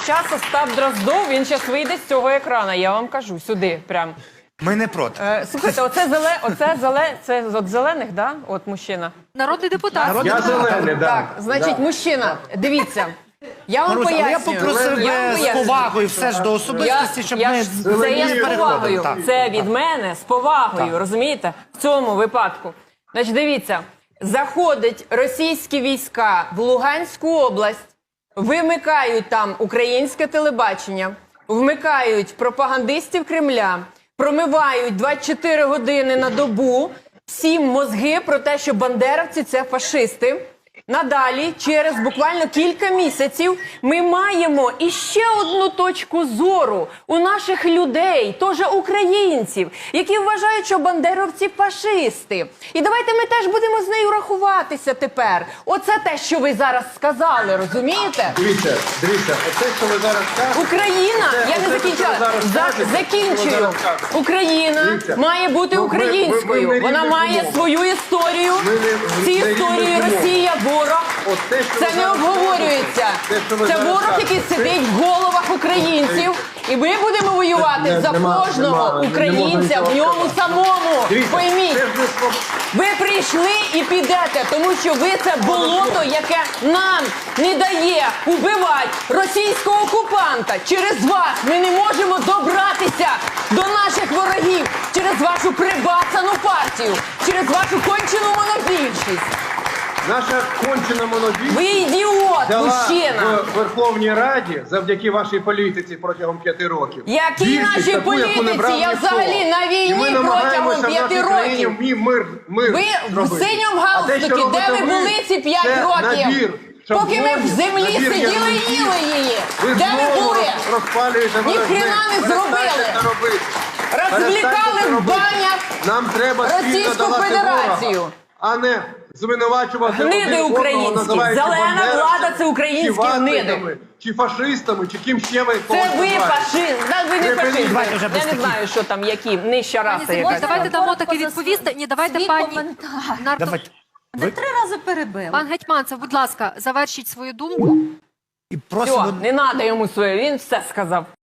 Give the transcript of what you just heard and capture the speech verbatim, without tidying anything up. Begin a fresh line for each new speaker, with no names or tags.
час Остап Дроздов, він зараз вийде з цього екрана, я вам кажу, сюди прям.
Ми не проти.
Е, слухайте, оце зеле, оце зеле, це от зелених, да? От мужчина.
Народний депутат.
Народний
Я зелений, да.
Так, значить, мужчина, дивіться, я вам
Маруся, але я
пояснюю.
попросив
Я вам
би з
пояснюю.
повагою все ж до
Я,
особистості, щоб
я
ми
ж, це я з
переходили.
повагою,
Так.
це від мене з повагою, розумієте? В цьому випадку. Значить, дивіться, заходять російські війська в Луганську область, вимикають там українське телебачення, вмикають пропагандистів Кремля, промивають двадцять чотири години на добу всім мозги про те, що бандеровці – це фашисти. Надалі, через буквально кілька місяців, ми маємо іще одну точку зору у наших людей, теж українців, які вважають, що бандеровці – фашисти. І давайте ми теж будемо з нею рахуватися тепер. Оце те, що ви зараз сказали, розумієте?
Дивіться, дивіться, оце, що ви зараз кажете...
Україна,
Оце-
я не
оце, що ви
закінчила,
зараз
За-
кажете, що ви
закінчую.
зараз кажете.
Україна
Дивіться,
має бути
ну, ми-
українською.
ми- ми не
Вона
рівних
має
умов.
свою історію.
Ми не-
В цій
не
історії
рівних умов.
Росія ворог.
От те, що
Це
ви
не
зараз
обговорюється.
кажете, те, що ви
Це
зараз
ворог,
кажете,
який
це-
сидить в головах українців. І ми будемо воювати
Не-
за
нема-
кожного
нема- не
українця
можна
в
нічого
ньому
сказати.
самому.
Дивіться,
Пойміть.
це ж не спо-
Ви прийшли і підете, тому що ви це болото, яке нам не дає убивати російського окупанта. Через вас ми не можемо добратися до наших ворогів, через вашу прибацану партію, через вашу кончену монобільшість.
Наша кончена монобільшість
Ви ідіот,
дала
мужчина.
в Верховній Раді завдяки вашій політиці протягом п'яти років.
Які
Більшість
наші
таку, яку не
політиці?
брав
Я
ніхто.
взагалі на війні
І ми
протягом
намагаємося в
п'яти
нашій країні
років.
мі- мир, мир
Ви в
зробити.
синьому
А те, що
галстукі, де
робите
ви були ці п'ять
це
років?
набір
Поки ми в
шаблонів,
землі
набір
сиділи і
ярликів.
їли її.
Ви
Де ви
знову
були?
роз- розпалюєте
Ні
ворожнечу.
хрена не
Перестаньте
зробили.
це робити.
Розвлікали
Перестаньте це
в
робити.
банях
Нам треба спільно
Російську
долати
Федерацію.
ворога, а не звинувачувати
Гниди
один одного,
українські.
називаючи
Зелена
бандеровцями,
влада – це українські
чи ватниками,
гниди.
чи фашистами, чи ким ще ви
Це
когось
ви
називаєте.
фашист. Да, ви не
Припиніть.
фашисти.
Давайте вже без
Я не
таких.
знаю, що там, які, нижча раса
Пані
якась.
Давайте дамо
Коротко
таки
за
відповісти. Ні, давайте
свій
пані
коментар.
Нарто-
Давайте.
Ви три рази перебили.
Пан Гетьманцев, будь ласка, завершіть свою думку.
І
Все,
просимо
не треба йому своє, він все сказав.